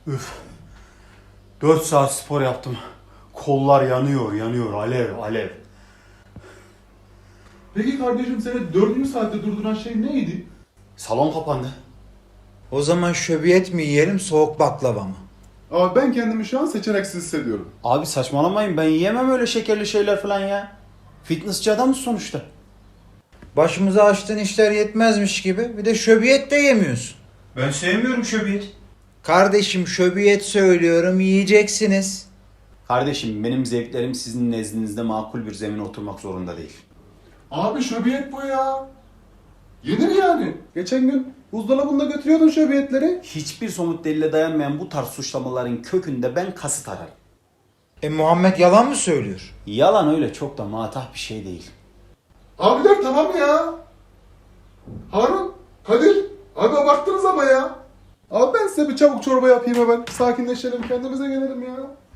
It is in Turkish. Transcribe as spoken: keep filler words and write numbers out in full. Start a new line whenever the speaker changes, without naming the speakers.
Üf. Dört saat spor yaptım. Kollar yanıyor, yanıyor. Alev, alev.
Peki kardeşim seni dördüncü saatte durduran şey neydi?
Salon kapandı.
O zaman şöbiyet mi yiyelim, soğuk baklava mı?
Abi ben kendimi şu an seçeneksiz hissediyorum.
Abi saçmalamayın, ben yiyemem öyle şekerli şeyler falan ya. Fitnessçi adamız sonuçta.
Başımıza açtığın işler yetmezmiş gibi bir de şöbiyet de yemiyorsun.
Ben sevmiyorum şöbiyet.
Kardeşim şöbiyet söylüyorum, yiyeceksiniz.
Kardeşim benim zevklerim sizin nezdinizde makul bir zemine oturmak zorunda değil.
Abi şöbiyet bu ya. Yenir yani. Geçen gün buzdolabında götürüyordun şöbiyetleri.
Hiçbir somut delile dayanmayan bu tarz suçlamaların kökünde ben kasıt ararım.
E Muhammed yalan mı söylüyor?
Yalan öyle çok da matah bir şey değil.
Abiler tamam ya. Harun, Kadir. Abi abarttınız ama ya. Abi ben size bir çabuk çorba yapayım hemen. Sakinleşelim, kendimize gelelim ya.